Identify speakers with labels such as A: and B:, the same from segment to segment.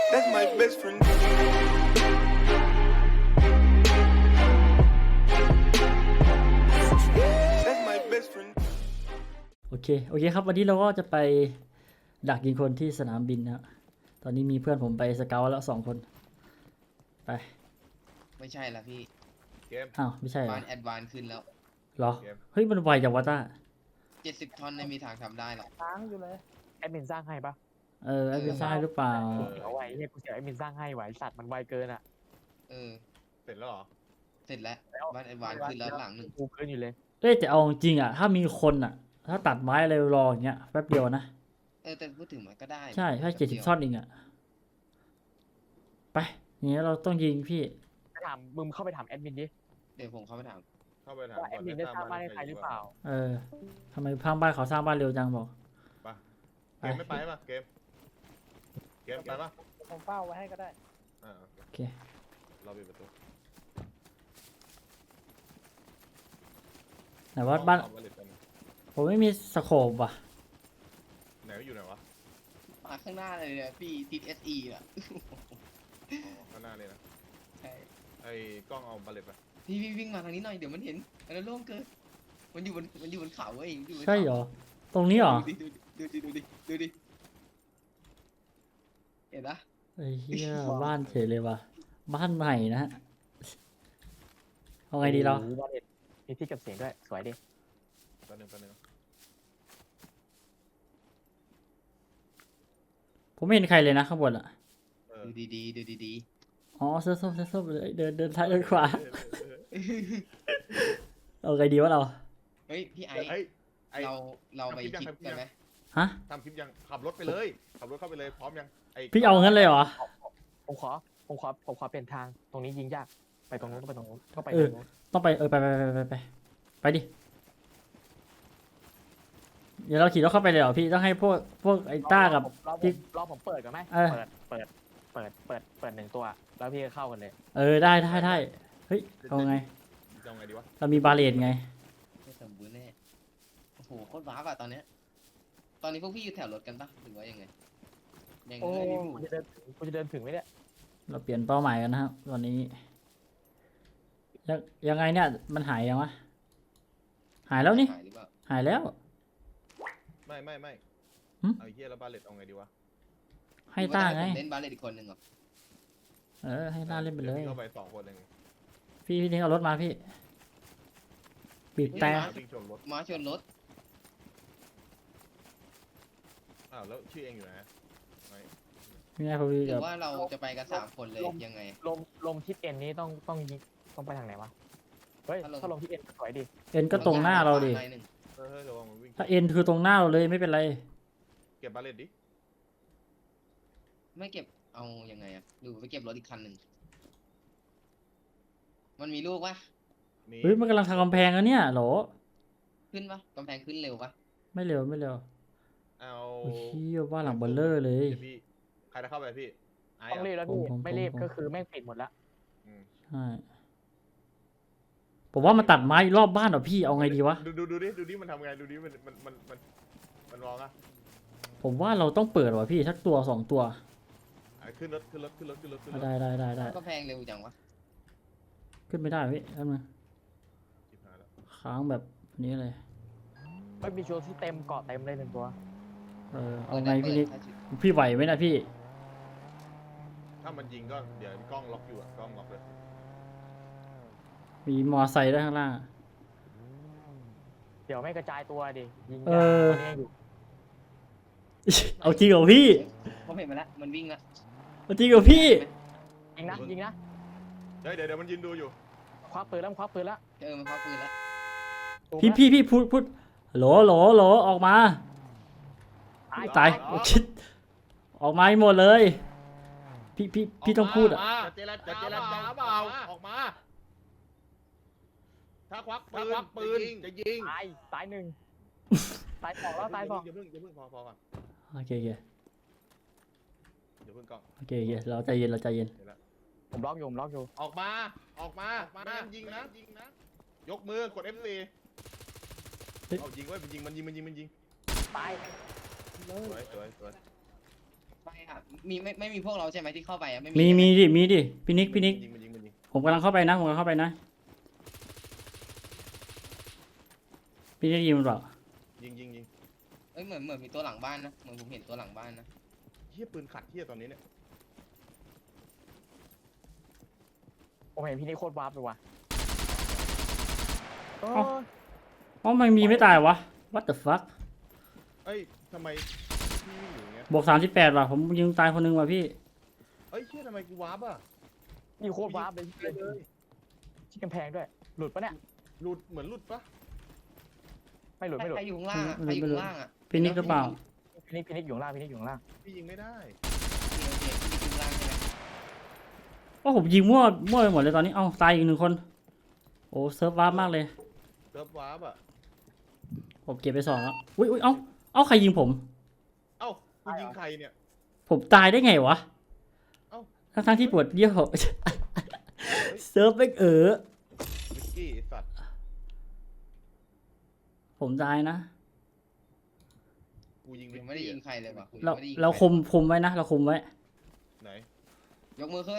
A: That's my best friend. That's my best friend.
B: โอเคครับวันนี้เราก็จะไปดักยิงคนที่สนามบินนะตอนนี้มีเพื่อนผมไปสเกาต์แล้ว2 คนไป
C: ไม่ใช่ละพี่
D: เกม
B: อ้าวไม่ใช่เหรอ
C: บ้านแอดวานขึ้นแล้ว
B: เหรอเฮ้ยมันไวจังวะต้า
C: 70 ท่อนไม่มีทางทำได้หรอก
E: ค้างอยู่เลย
F: แอดมินสร้างให้ปะ
B: ไอ้เป็นซ่าหรือเปล่า
F: เอาไว้เนี่ยกูเสียแอดมินสร้างให้ไหวสัตว์มันไวเกินอ่ะ
C: เออ
D: เสร็จแล้วเหรอ
C: เสร็จแล้วบ้านแอดวานขึ้นแล้วหลังหนึ่ง
F: กูเกินอยู่เลย
B: เฮ้ยแต่เอาจริงอ่ะถ้ามีคนอ่ะ ถ้าตัดไม้อะไรรออย่างเงี้ยแป๊บเดียวนะ
C: แต่พูดถึงมันก็ได้
B: ใช่ถ้า70 ท่อนเองอ่ะไปอย่างเงี้ยเราต้องยิงพี่
F: ไปถามมึงเข้าไปถามแอดมินดิ
C: เดี๋ยวผมเข้าไปถาม
D: เข้าไปถาม
F: ว่าแอดมินได้สร้างบ้านให้ใครหรือเปล่า
B: ทำไมพังบ้านเขาสร้างบ้านเร็วจังบอก
D: เกมไม่ไปป่ะเกมไปป่ะ
E: ผมเฝ้าไว้ให้ก็ได้
B: โอเค
D: เราปิดประตู
B: ไหนว่าบ้าน
D: เอาเหล็กกัน
B: ผมไม่มีสโคปว่ะ
D: ไหนอยู่ไหนวะ
C: มาข้างหน้าเลยเนี่ยพี่ติด SE อ่ะ
D: อ๋อข้างหน้าเลยนะ
C: ใช่
D: ไอ้กล้องเอาบัลเลตไป
C: พี่วิ่งมาทางนี้หน่อยเดี๋ยวมันเห็นอันนั้นโล่งเกินมันอยู่บนเขาเองอยู่บนเขา
B: ใช่เหรอตรงนี้เหรอ
C: ดูดิเห็นปะ
B: ไอ้เหี้ยบ้านเฉยเลยว่ะบ้านใหม่นะฮะเอาไงดีเรา
F: โอ้โหบ้านเด็ดมีที่เก็บเสียงด้วยสวยดิ
D: แป๊บนึง
B: ผมไม่เห็นใครเลยนะข้างบนอ่ะ
C: ดูดี
B: อ๋อเสื้อส้มเลยเดินซ้ายเดินขวาเอาไงดีวะเรา
C: เฮ้ยพี่ไอ
D: เฮ้ยไอ้
C: เราไปคลิปกันไหม
B: ฮะ
D: ทำคลิปยังขับรถไปเลยขับรถเข้าไปเลยพร้อมยังไอ้
B: พี่เอางั้นเลยเหรอ
F: ผมขอเปลี่ยนทางตรงนี้ยิงยากไปตรงนู้นก็ไปตรงนู้นก็ไป
B: เอ
F: ตร
B: อ
F: งนู้น
B: ต้องไปไปดิเดี๋ยวเราขี่รถเข้าไปเลยเหรอพี่ต้องให้พวกไอ้ต้ากับ
F: รอผมเปิดก่อนไหม
B: เออ
F: เปิด1 ตัวแล้วพี่ก็เข้ากันเลย
B: ได้เฮ้ยเอาไง
D: จะเอาไงดีวะ
B: เรามีบาเลตไง
C: ไม่สมบูรณ์แน่โอ้โหโคตรว้าวอะตอนเนี้ยตอนนี้พวกพี่อยู่แถวรถกันปะหรือว่ายังไงยัง
F: โอ้
C: ไม่มี
F: กูจะเดินถึงไหมเนี่ย
B: เราเปลี่ยนเป้าหมายกันนะครับตอนนี้ยังไงเนี่ยมันหายยังวะหายแล้วนี่
C: หายหรือเปล่า
B: หายแล้ว
D: ไม่
B: หึ
D: เอาไอ้เหี้ยแล้วบัลเลตเอาไงดีวะ
B: ให้ต้าไง
C: เล่นบาสเลยอีกคนหนึ่งเหรอ
B: ให้ต้าเล่นไปเลย
D: ดี๋วพี่เข้าไป2 คนเอง
B: พี่ทิ้งเอารถมาพี่บีบแต่
D: วิ่งชนรถ
C: ม้าชนรถ
D: อ้าวแล้วชื่อเองอยู่ไหนไม่
B: ไม่ไงพอดี
C: หรื
B: กับ
C: อว่าเราจะไปกัน3 คนเลยยังไง
F: ลมทิศเอ็นนี้ต้องยิงต้องไปทางไหนวะเฮ้ยถ้าลมทิศเอ็นสวยดิ
B: เอ็นก็ตรงหน้าเราดิ
C: หนึ่ง
D: เฮ้ยระวังมันวิ่ง
B: ถ้าเอ็นคือตรงหน้าเราเลยไม่เป็นไร
D: เก็บบัลเลตดิ
C: ไม่เก็บเอายังไงอะหรือไปเก็บรถอีกคันหนึ่งมันมีลูกปะ
D: มี
B: เฮ้ยมันกำลังทำกำแพงแล้วเนี่ยโหล
C: ขึ้นปะกำแพงขึ้นเร็วปะ
B: ไม่เร็ว
D: เอา
B: โอ้ยเหี้ยบ้านหลังเบลเลอร์เลย
D: ดี๋วพี่ใครจะเข้าไปพี่ไอ้
F: ต้องรีบ
D: อะ
F: แล้วพี่
B: ผม
F: ไม่รีบก็คือแม่งปิดหมดละ
D: อืม
B: ใช่ผมว่ามันตัดไม้รอบบ้านเหรอพี่เอาไงดีวะ
D: ดูดิมันทำไงดูดิมันมองอะ
B: ผมว่าเราต้องเปิดว่ะพี่สักตัว2 ตัว
D: ขึ้นรถ
B: ได้
C: กำแพงเร็วจังวะ
B: ขึ้นไม่ได้พี่ทำไง
D: ชิบหายแล้ว
B: ค้างแบบนี้เลย
F: ไม่มีโชว์ที่เต็มเกาะเต็มเลย1 ตัว
B: เอาไงพี่นิกพี่ไหวไหมนะพี่
D: ถ้ามันยิงก็เดี๋ยวกล้องล็อกอยู่อะกล้องล็อกเลย
B: มีมอไซค์ด้วยข้างล่าง
F: เดี๋ยวไม่กระจายตัวดิยิง
B: เออ
F: ตอนนี้ยังอยู่
B: เอาจริงเหรอพี่
C: ผมเห็นมาแล้วมันวิ่งละ
B: เอาจริงเหรอพี่
F: ยิงนะ
D: เดี๋ยวมันยืนดูอยู่
F: คว้าปืนแล้วมันคว้าปืนแล้ว
C: มันคว้าปืนละ
B: พี่พูดโหลออกมาตายโอ้ชิดออกมาให้หมดเลยพี่ต้องพูดอ่ะ
D: จะเจรจาเปล่าออกมา ถ้าควักปืนจะยิง
F: ตาย 1 ตาย 2แล้วตาย 2
D: อย่าเพิ่งพอก่อน
B: โอเค
D: อย่าเพิ่งกล้อง
B: เราใจเย็น
F: ผมล็อกอยู่
D: ออกมาไม่งั้นยิงนะยกมือกด F4 เอายิงไว้มันยิง
F: ตาย
D: สวย
C: ไปอ่ะไม่มีพวกเราใช่ไหมที่เข้าไปอ่ะไม่
B: มี
C: ใช่ไห
B: มีดิพี่นิก
D: มันยิง
B: ผมกำลังเข้าไปนะผมกำลังเข้าไปนะพี่ได้ยินมันเปล่า
D: ยิง
C: เอ้ยเหมือนมีตัวหลังบ้านนะเหมือนผมเห็นตัวหลังบ้านนะ
D: เฮียปืนขัดเฮียตอนนี้เนี่ย
F: ผมเห็นพี่นี่โคตรวาร์ปเลยว่ะเออ
B: อ๋อมันมีไม่ตายวะ what the fuck
D: เอ้ยทำไมพี่วิ่งอยู่อย่างเงี้ย
B: บวก38ว่ะผมยิงตายคนหนึงว่ะพี่
D: เอ้ยเฮียทำไมกูวาร์ปอ่ะ
F: นี่โคตรวาร์ปเลย
D: ไปเลย
F: ที่กำแพงด้วย หลุดปะเนี่ย
D: หลุดเหมือนหลุดปะ
F: ไม่หลุดไม่หลุด
C: ใครอยู่ข้างล่างอะ
B: ไม่
C: ใคร
B: หลุด
C: อยู่ข้างล่างอ่ะ
B: พี่นิกหรือเปล่า
F: พี่นิกอยู่ข้างล่างพี่นิกอยู่ข้างล่าง
D: พี่ยิงไม่ได้
C: โอเคพี่อยู่ข้างล่างใช่ไหม
B: ว่าผมยิงมั่วไปหมดเลยตอนนี้ เอ้าตายอีก1 คน โอ้เซิร์ฟวาร์ปมากเลย
D: เซิร์ฟวาร์ปอ่ะ
B: ผมเก็บไป2แล้ว อุ้ยเอ้าใครยิงผม
D: เอ้ากูยิงใครเนี่ย
B: ผมตายได้ไงวะ
D: เอ้า
B: ทั้งที่ปวดเยี่ยว เซิร์ฟไม่
D: วิกกี้ไอ้สัตว์
B: ผมตายนะ
D: กูยิง
C: ผ
D: วิก
C: มไม่ได้
D: กี้
C: ยิงใครเลยว่ะผม
B: เรา
C: ไม่ได้ยิง
B: เรา
C: ใค
B: คุมไว้นะ เราคุมไว้
D: ไหน
C: ยกมือขึ้น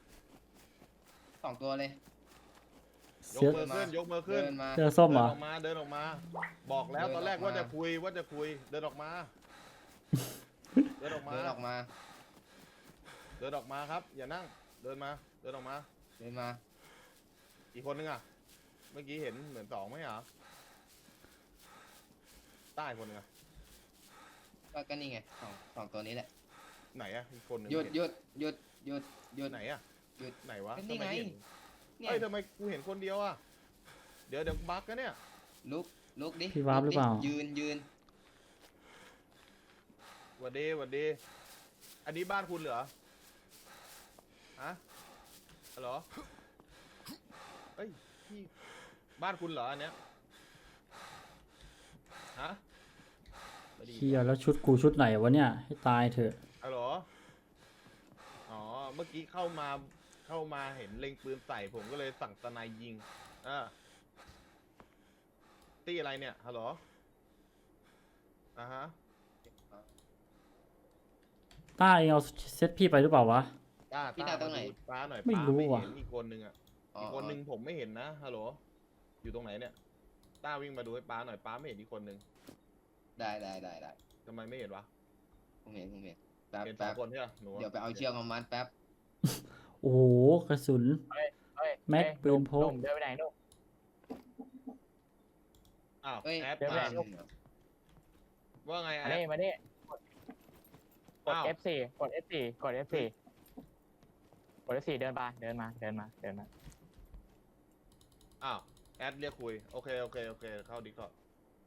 C: 2 ตัวเลย
D: ยก
B: เสื้อ
D: มือขึ้นยกมือขึ้น
C: เดินมา
B: เสื้อส้ม
D: เดิ
B: เหร
D: น
B: อ
D: ออกมาเดินออกมา บอกแล้ว
C: เดิน
D: ตอนแรก
C: ออกมา
D: ว่าจะคุยเดินออกมา เดินออกมา
C: เดินออกมา
D: เดินออกมาครับ อย่านั่งเดินออกมา
C: เดินมา
D: อีกคนนึงอ่ะ เมื่อกี้เห็นเหมือน2ไหมเหรอใต้คนนึงอ่ะ
C: ก็นี่ไงสองตัวนี้แหละ
D: ไหนอ่ะอีกคนนึง
C: หยุด
D: เน
C: หยุด
D: ไหนอ่ะ
C: หยุด
D: ไหนวะ
C: ก็นี่
D: ทำไม
C: ไง
D: เห็น
C: เนี่ย
D: เอ้ยทำไมกูเห็นคนเดียวอ่ะเดี๋ยวบั๊กกันเนี่ย
C: ลุกดิ
B: พี่วาร์ปหรือเปล่า
C: ยืน
D: หวัดดีอันนี้บ้านคุณเหรอฮะฮัลโหลเอ้ยพี่บ้านคุณเหรออันเนี้ยฮะไม่ได้ยิน
B: เฮียแล้วชุดกูชุดไหนวะเนี่ย ให้ตายเถอะ
D: ฮัลโหลอ๋อ เมื่อกี้เข้ามาเห็นเล็งปืนใส่ผมก็เลยสั่งสไนด์ยิงตีอะไรเนี่ย ฮัลโหลฮะ
B: ต้าเองเอาเซตพี่ไปหรือเปล่าวะ
D: ต้า
C: พี่ตาตรงไหน
D: ดูป้าหน่อย
B: ไม่
D: ป้า
B: รู้
D: ไม่
B: ว่ะ
D: เห็นอีกคนนึงอ่ะ
C: อ๋อ
D: อีกคนนึงผมไม่เห็นนะ ฮัลโหล อยู่ตรงไหนเนี่ย ต้าวิ่งมาดูให้ป้าหน่อย ป้าไม่เห็นอีกคนนึง
C: ได้
D: ทำไมไม่เห็นวะ
C: ผมเห็นแป๊บ
D: เห็นสอ
C: แป๊
D: ง
C: บ
D: คนใช่ปะหนูอะ
C: เดี๋ยวไปเอาเชือกมามัดแป๊บ
B: โอ้โหกระสุน
F: เฮ้ย
B: แม็ก
F: เฮ้ย
B: ปืนพก
F: หนุ่มเดินไปไหนหนุ่ม
D: อ้าว
C: เอ้ย
D: แอด
F: เดี๋ยว
D: มา
F: แม่
D: ว่าไงแอ
F: มา
D: ด
F: นี่มานี่กด
D: อ้าว
F: F4 กด F4 กด F4 กด F4 เดินมา
D: อ้าวแอดเรียกคุย โอเค เข้าดิก่อน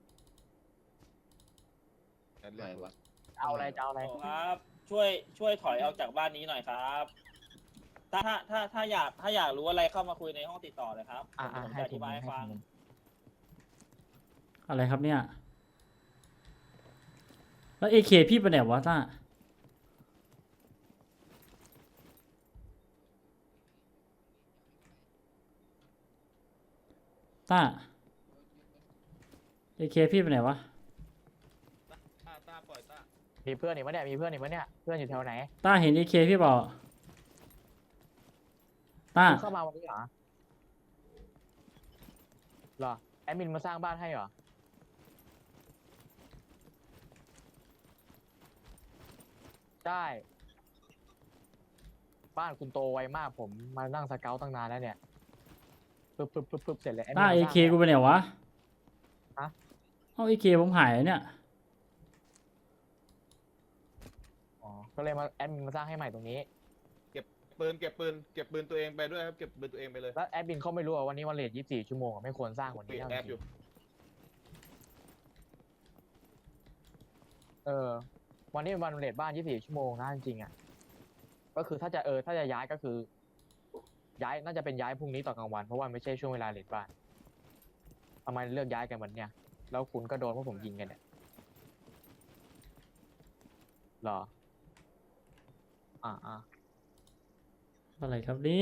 D: แอดเรียก
C: ไหน
D: คุยว
C: ะ
F: เอาอะไรจะเอาอะไร
E: ครับช่วยถอยออกจากบ้านนี้หน่อยครับ ถ้าอยากรู้อะไรเข้ามาคุยในห้องติดต่อเลยครับ ผม
F: ให้
E: จะอ
F: ที
E: ธิ
F: ม
E: บายให้
F: ให้
E: ฟัง
F: ทีม
B: อะไรครับเนี่ย แล้วเอเคพี่ไปไหนวะต้า ต้าเอเคพี่ไปไหนวะ
D: ต้าปล่อยต้า
F: มีเพื่อนอีกมั้ยเนี่ยเพื่อนอยู่แถวไหน
B: ต้าเห็นเอเคพี่เปล่าต้า
F: คุณเข้ามาวันนี้เหรอแอดมินมาสร้างบ้านให้เหรอได้บ้านคุณโตไวมากผมมานั่งสเกลตั้งนานแล้วเนี่ยปึ๊บเสร็จเลยแอดมิน
B: ต้า
F: มา
B: เอ
F: สร้าง
B: เคกูไปไหนวะ
F: ฮะ
B: เอาเอเคผมหายแล้วเนี่ย
F: อ๋อก็เลยมาแอดมินมาสร้างให้ใหม่ตรงนี้
D: เก็บปืนตัวเองไปด้วยครับ เก็บปืนตัวเองไปเลย
F: แล้วแอดมินเขาไม่รู้ว่าวันนี้วันเลท24 ชั่วโมงอะไม่ควรสร้างกว่า
D: ปิ
F: นี้
D: ด
F: เท่า
D: แอ
F: จ
D: ปอยู่
F: ริงวันนี้เป็นวันเลทบ้าน24 ชั่วโมงนะจริงๆอ่ะก็คือถ้าจะย้ายก็คือ ย้ายน่าจะเป็นย้ายพรุ่งนี้ตอนกลางวันเพราะว่าไม่ใช่ช่วงเวลาเลทบ้านทำไมเลือกย้ายกันวันเนี้ยแล้วคุณก็โดนเพราะผมยิงกันเนี่ยเหรอ
B: อะไรครับเนี่ย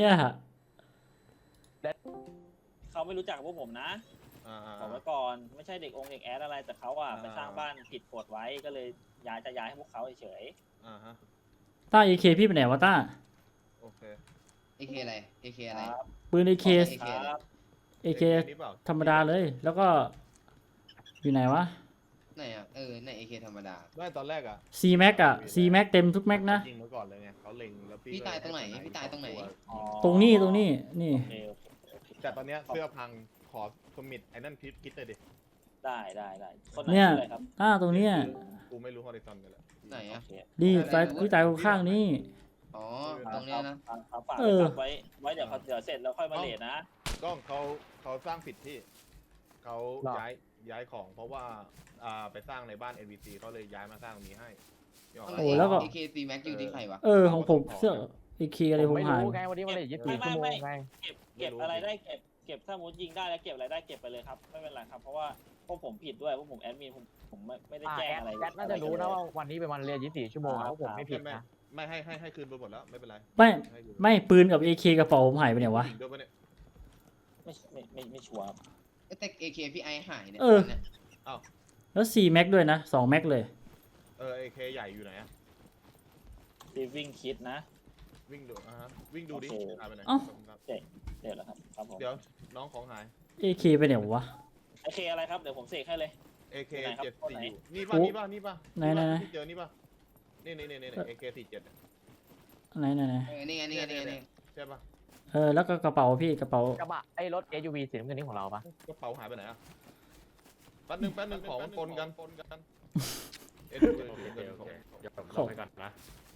E: เขาไม่รู้จักพวกผมนะ บอกไว้ก่อนไม่ใช่เด็กแอดอะไรแต่เขาไปสร้างบ้านผิดกฎไว้ก็เลยย้ายให้พวกเขาเฉย
D: อ่าฮะ
B: ต้า AK พี่ไปไหนวะต้า
D: โอเค
C: AK อะไร AK อะไร
E: ครับ
B: ปืน AK
E: ครับ
B: AK
D: นี่เปล่า
B: ธรรมดาเลย แล้วก็อยู่ไหนวะ
C: ไหนอ่ะใน AK ธรรมดา
D: ไม่ตอนแรกอ่ะ
B: C Max อ่ะ C Max เต็มทุกแม็กนะ
D: ยิงมาก่อนเลยไงเขาเล็งแล้วพี่
C: พี่ตายตรงไหน
D: ก็เล
C: พี่ตายตรงไหน
E: อ๋อ
B: ตรงนี้นี่
E: โอเคโอเคโอเค
D: แต่ตอนเนี้ยเสื้อพังขอสมิธไอ้นั่นคิดเลยดิ
E: ได้คนไหน
B: เนี่ย
E: ชื่ออะไรครับ
B: ตรงเนี้ย
D: กูไม่รู้ฮอริซอนกันแหละ
C: ไหนอ่ะ
E: โอเค
B: ดีตายพี่ตายข้างๆนี่
C: อ๋อ ตรงเนี้ยนะ
E: ครับฝาก
B: เออ
E: ไว้เดี๋ยวเสร็จแล้วค่อยมาเลทนะ
D: ก็เขาสร้างผิดที่เขาย้ายของเพราะว่าไปสร้างในบ้าน NVC เขาเลยย้ายมาสร้างตรงนี้ให้นี่ออกไหม
B: โอ้แล้วก็
C: AK C Max อยู่ที่ใครวะ
B: ของผมเสื้อ AK อะไร
F: ผ
B: ผม ม
F: ไม่
B: หาย
F: รู้ไงวันนี้มันเลท24 ชั่วโมงไง
E: เก็บอะไรได้เก็บถ้ามุดยิงได้แล้วเก็บอะไรได้เก็บไปเลยครับไม่เป็นไรครับเพราะว่าพวกผมผิดด้วยพวกผมแอดมินผมไม่ได้แจ้งอะไร
F: แอดน่าจะรู้นะว่าวันนี้เป็นวันเรียน24 ชั่วโมงเพราะผมไม่ผิดนะ
D: ไม่ให้คืนไปหมดแล้วไม่เป็นไร
B: ไม่ ไม่ปืนกับ AK กระเป๋าผมหายไปไหนวะ
D: ยิงด้วยปะเนี่ย
E: ไม่ชัวร์ครับ
C: แต่ AK พี่ไอหายเนี่ย
B: เออ
C: เนี่ย
B: แล้ว C Max ด้วยนะ2 Max เลย
D: AK ใหญ่อยู่ไหนอะ
E: รีวิ่งคิดนะ
D: วิ่งดูวิ่งดูดิ
E: โอเค
D: หายไปไหน
B: เอ้า
E: เดี๋ยวแล้วครับครับผม
D: เดี๋ยวน้องของหาย
B: AK ไปไหนวะ
E: โอเคอะไรครับเดี๋ยวผมเสกให้เลย
D: AK
E: ไหนครับ
D: 74
E: ไหน
D: นี่
B: โอ้
D: ป่ะนี่ป่ะ
B: ไหน
D: ที่เจอนี่ป่ะนี่ AK 47
B: ไหน
C: นี่ไง
D: ใช่ป่ะ
B: แล้วก็กระเป๋าพี่กระเป๋า
F: กระบะไอ้รถ SUV สีน้ำเงินนี่ของเราปะ
D: กระเป๋าหายไปไหนอะแป๊บนึงของมันปนกันเอ็ด
G: โอเคเดี๋ยวผมลงให้ก่อนนะ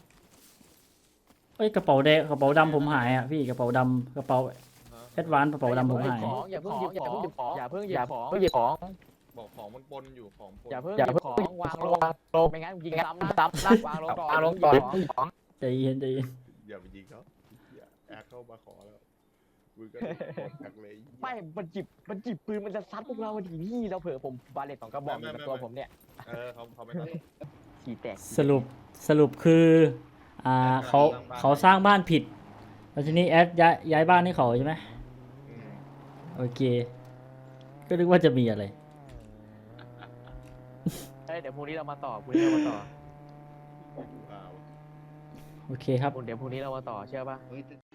B: กระเป๋าแดงกระเป๋าดำผมหายอ่ะพี่กระเป๋าดำกระเป๋าแอดวานกระเป๋าดำผมหาย
F: อย่าเพิ่งหยิบของอย่าเพิ่งหยิบของ
D: บอกของมันปนอยู่ของปน
F: อย่าเพิ่งหยิบของวางลงไม่งั้นยิงซ้ำนะวางลงก่อนวางลงก่อน
B: ใจเย็น
D: อย่าไปยิงเขาอย่าแอดเข้ามาขอแล้วมึงก็กดจากเลย
F: ไม่มันจิบปืนมันจะซัดพวกเราทีพี่เราเผื่อผมบาเลตของกระบอกอยู่กับตัวผมเนี่ย
D: เขาไม่ตัด
F: ขี่แตก
B: สรุปคือเขาสร้างบ้านผิดแล้วทีนี้แอดย้ายบ้านให้เขาใช่ไหมโอเค ก็นึกว่าจะมีอะไร
F: เดี๋ยวพรุ่งนี้เรามาต่อ
B: โอเคครับ
F: เดี๋ยวพรุ่งนี้เรามาต่อเชื่อป่ะ
C: เฮ้ย